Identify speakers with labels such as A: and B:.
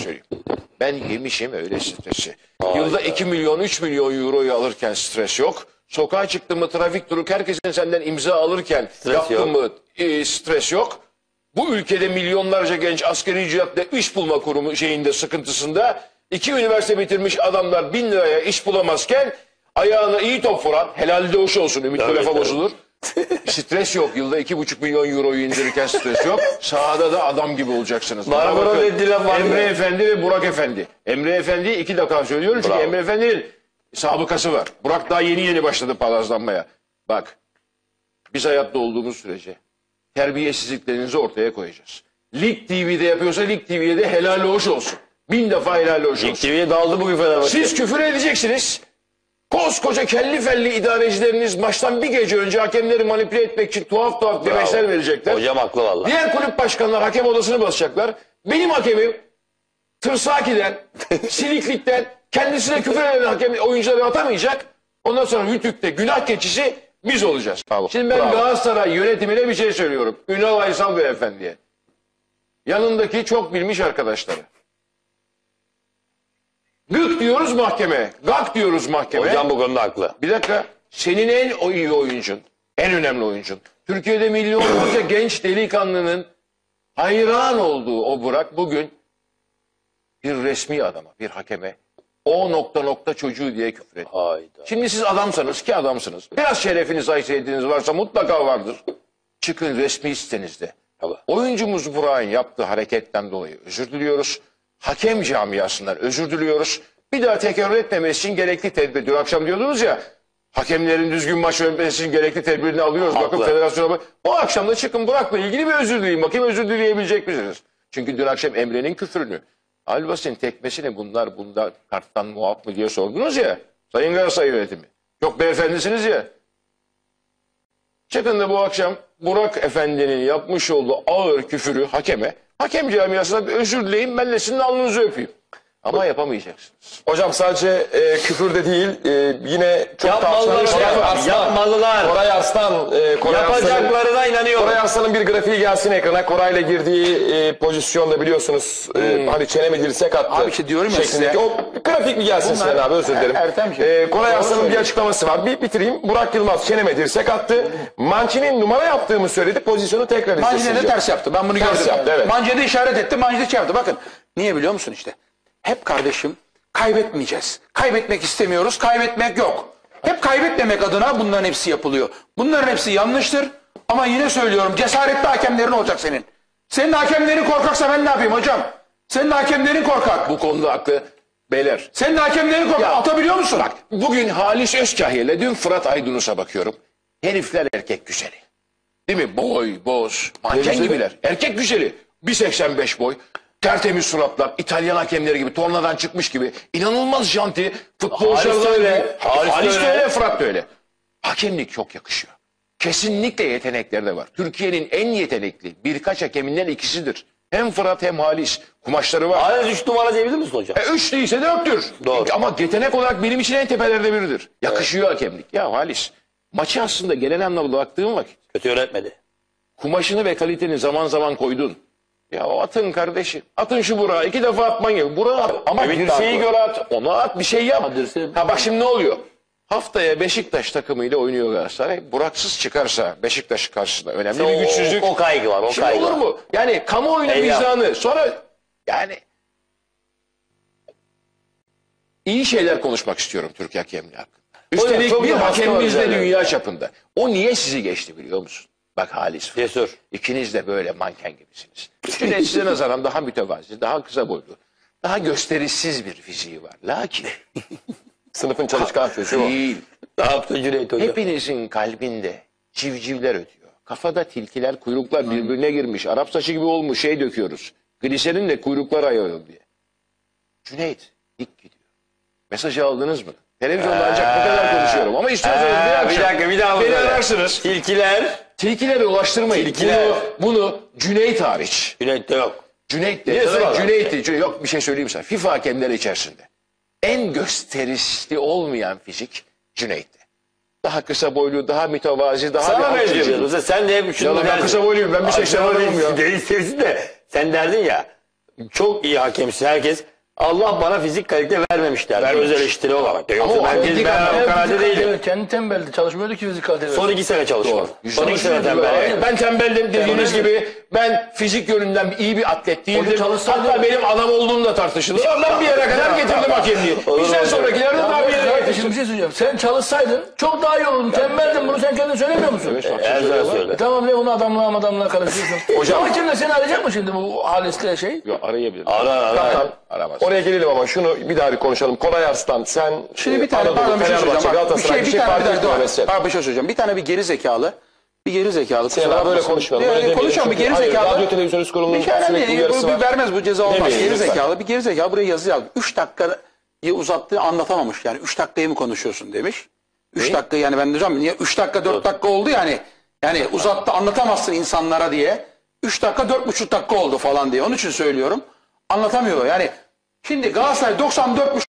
A: söyleyeyim. Ben yemişim öyle stresi. Yılda 2 milyon 3 milyon euroyu alırken stres yok. Sokağa çıktın mı trafik duruk herkesin senden imza alırken
B: Stres
A: yaptın
B: yok.
A: mı stres yok. Bu ülkede milyonlarca genç asgari ücretle iş bulma kurumu şeyinde sıkıntısında 2 üniversite bitirmiş adamlar 1000 liraya iş bulamazken ayağına iyi top vuran helalde hoş olsun ümit lafa bozulur. Stres yok. Yılda 2,5 milyon euroyu indirirken stres yok. Sahada da adam gibi olacaksınız. Bana
B: Marmara
A: bakın,
B: dediği laf var
A: Emre
B: ya.
A: Efendi ve Burak Efendi. Emre Efendi'yi 2 dakika söylüyorum çünkü
B: Bravo.
A: Emre Efendi'nin sabıkası var. Burak daha yeni başladı palazlanmaya. Bak biz hayatta olduğumuz sürece terbiyesizliklerinizi ortaya koyacağız. Lig TV'de yapıyorsa Lig TV'ye de helal hoş olsun. 1000 defa helal hoş olsun.
B: TV'ye daldı bugün Fenerbahçe.
A: Siz küfür edeceksiniz. Koskoca kelli felli idarecileriniz maçtan bir gece önce hakemleri manipüle etmek için tuhaf demeçler verecekler.
B: Hocam haklı valla.
A: Diğer kulüp başkanlar hakem odasını basacaklar. Benim hakemim Tırsaki'den, Siliklik'ten kendisine küfür eden hakem oyuncuları atamayacak. Ondan sonra Rütük'te günah keçisi biz olacağız.
B: Bravo.
A: Şimdi ben
B: Bravo.
A: Galatasaray yönetimine bir şey söylüyorum. Ünal Aysal Beyefendi'ye. Yanındaki çok bilmiş arkadaşları. Gık diyoruz mahkeme. Gak diyoruz mahkeme.
B: Hocam bu konuda haklı.
A: Bir dakika. Senin en iyi oyuncun, en önemli oyuncun. Türkiye'de milyonlarca genç delikanlının hayran olduğu o Burak bugün bir resmi adama, bir hakeme o nokta çocuğu diye küfür etti.
B: Hayda.
A: Şimdi siz adamsanız ki adamsınız. Biraz şerefiniz, haysiyetiniz varsa mutlaka vardır. Çıkın resmi sitenizde.
B: Tabii.
A: Oyuncumuz Burak'ın yaptığı hareketten dolayı özür diliyoruz. Hakem camiasından özür diliyoruz. Bir daha tekrar etmemesi için gerekli tedbir. Dün akşam diyordunuz ya, hakemlerin düzgün maç yönetmesi için gerekli tedbirini alıyoruz.
B: Haklı.
A: Bakın federasyona bak. O akşam da çıkın Burak'la ilgili bir özür dileyin. Bakayım özür dileyebilecek misiniz? Çünkü dün akşam Emre'nin küfrünü, Albas'ın tekmesini bunlar karttan muaf mı diye sordunuz ya. Sayın Galatasaray yönetimi. Çok beyefendisiniz ya. Çıkın da bu akşam Burak Efendi'nin yapmış olduğu ağır küfürü hakeme, hakem camiasına bir özür dileyin, ben de sizin alnınızı öpeyim. Ama yapamayacaksınız.
C: Hocam sadece küfür de değil, yine çok
B: Yapmalılar
C: tartışılan
B: hocam,
C: Koray Arslan.
B: yapmalılar.
C: Koray Arslan. Koray Arslan'ın-
B: Yapacaklarına inanıyorum.
C: Koray Arslan'ın bir grafiği gelsin ekrana. Koray'la girdiği pozisyonda biliyorsunuz hani çene mi dirsek attı.
D: Abi işte diyorum ya
C: şeklindeki.
D: size.
C: O grafik mi gelsin Sinan abi, özür dilerim.
D: Ertem
C: Koray Arslan'ın bir açıklaması var. Bir bitireyim. Burak Yılmaz çene mi dirsek attı. Mancini'nin numara yaptığımı söyledi. Pozisyonu tekrar izlesin
D: Mancini de
C: diyor.
D: ters yaptı. Ben bunu
C: Ters
D: gördüm.
C: yaptı, evet.
D: Mancini de işaret etti. Mancini de şey yaptı. Bakın. Niye biliyor musun işte? Hep kardeşim kaybetmeyeceğiz. Kaybetmek istemiyoruz. Kaybetmek yok. Hep kaybetmemek adına bunların hepsi yapılıyor. Bunların hepsi yanlıştır. Ama yine söylüyorum, cesaretli hakemlerin olacak senin. Senin hakemlerin korkaksa ben ne yapayım hocam? Senin hakemlerin korkak.
A: Bu konuda haklı beyler.
D: Senin hakemlerin korkak.
A: Ya,
D: Atabiliyor musun?
A: Bak bugün Halis Özkahya ile dün Fırat Aydınus'a bakıyorum. Herifler erkek güzeli. Değil mi? Boy, boz, manken gibiler. Erkek güzeli. 1,85 boy. Tertemiz suratlar. İtalyan hakemleri gibi. Tornadan çıkmış gibi. İnanılmaz janti. Futbolcular da öyle. Halis de öyle. Fırat da öyle. Hakemlik çok yakışıyor. Kesinlikle yetenekleri de var. Türkiye'nin en yetenekli birkaç hakeminden ikisidir. Hem Fırat hem Halis. Kumaşları var.
B: Hala 3 numara diyebilir misin hocam?
A: 3 değilse 4'tür.
B: Doğru.
A: Ama yetenek olarak benim için en tepelerde biridir. Yakışıyor hakemlik. Ya Halis, maçı aslında genel anlamda baktığım vakit
B: Kötü yönetmedi.
A: kumaşını ve kaliteni zaman zaman koydun. Ya atın kardeşim. Atın şu Burak'ı. 2 defa atman gibi. Burak'ı at. Ama
B: Ümit
A: dirseği
B: Darko.
A: göre at. Ona at. Bir şey yap.
B: Ama dirseği-
A: Ha bak şimdi ne oluyor? Haftaya Beşiktaş takımıyla oynuyor Galatasaray. Buraksız çıkarsa Beşiktaş karşısında önemli bir güçsüzlük.
B: O kaygı var. O
A: Şimdi
B: kaygı
A: olur
B: var.
A: mu? Yani kamuoyuna
B: Eyvah.
A: vicdanı. Sonra yani iyi şeyler konuşmak istiyorum Türk hakemliği hakkında. Üstelik
B: çok
A: bir
B: da baskı
A: hakemimiz
B: var
A: de
B: üzerine.
A: dünya çapında. O niye sizi geçti biliyor musun? Bak Halis.
B: Cesur.
A: İkiniz de böyle manken gibisiniz. Cüneyt size nazaran daha mütevazi, daha kısa boylu, daha gösterişsiz bir fiziği var. Lakin
C: Sınıfın çalışkan çocuğu o.
A: değil.
B: Ne yaptı Cüneyt hocam?
A: Hepinizin kalbinde civcivler ötüyor. Kafada tilkiler, kuyruklar birbirine girmiş. Arap saçı gibi olmuş şey döküyoruz. Gliserinle kuyruklar ayırıyor diye. Cüneyt dik gidiyor. Mesajı aldınız mı? Televizyonda ancak bu kadar konuşuyorum. Ama istiyorsanız bir akşam
B: bir dakika bir daha
A: beni
B: söyle.
A: ararsınız.
B: Tilkiler.
A: Tilkilere ulaştırmayın.
B: Tilkiler.
A: Bunu Cüneyt hariç.
B: Cüneyt'te yok.
A: Cüneyt
B: Niye
A: de.
B: sırada?
A: Cüneyt'ti. Yok bir şey söyleyeyim sana. FIFA hakemleri içerisinde. En gösterişli olmayan fizik Cüneyt'ti. Daha kısa boylu, daha mütevazi, daha
B: Sana
A: bir alt
B: benziyor.
A: çizgi.
B: Sen de hep şunu
A: Ya ben
B: derdin.
A: kısa boyluyum. Ben bir 80 adamım ya.
B: Değilsin de sen derdin ya. çok iyi hakemsin herkes. Allah bana fizik kalite vermemiş der. Öz eleştiri olarak. Yoksa ben o kanalde değilim.
E: Kendi tembeldi. Çalışmıyordu ki fizik kalite.
B: Son 2 sene çalışmadım. Son 2 sene tembel.
A: Ben tembeldim dediğiniz gibi. Ben fizik yönünden iyi bir atlet değildim.
E: çalışsaydı-
A: Hatta benim adam olduğum da tartışılır. Ben bir yere kadar getirdim hakemliği. Bizden sonrakiler de daha bir yere getirdi.
E: Şimdi bir şey söyleyeceğim. Sen çalışsaydın çok daha iyi olurdun. Tembeldin. Bunu sen kendin söylemiyor musun?
B: Her zaman söyle.
E: Tamam ne bunu adamla karıştırıyorsun.
C: Hocam-
E: Hakem de seni arayacak mı şimdi bu Halis'le şey?
A: Yok, arayabilirim.
B: Ara.
A: Aramaz.
C: Oraya gelelim ama şunu bir daha bir konuşalım. Kolay Arslan sen
D: Şimdi bir tane
C: Anadolu,
D: pardon bir şey
C: Fenerbahçe,
D: söyleyeceğim. Bak,
C: Galatasaray bir şey fark etmiyor mesela.
D: Abi bir şey söyleyeceğim. Bir tane bir geri zekalı. kusura
C: Böyle
D: bakmasın.
C: konuşmayalım. Böyle demeyelim.
D: Konuşalım bir
C: Çünkü
D: geri
C: hayır,
D: zekalı.
C: radyo televizyon üst kurulunun
D: Bir kere
C: sürekli
D: değil,
C: uyarısı var.
D: vermez bu ceza olmaz.
C: Demeyin
D: Geri
C: lütfen.
D: zekalı bir geri zekalı buraya yazı yazdı. 3 dakikayı uzattı anlatamamış. Yani 3 dakikayı mı konuşuyorsun demiş. 3 dakika yani ben diyeceğim niye 3 dakika 4 dakika oldu yani. Yani uzattı anlatamazsın insanlara diye. 3 dakika 4,5 dakika oldu falan diye. Onun için söylüyorum. Anlatamıyor yani. Şimdi Galatasaray 94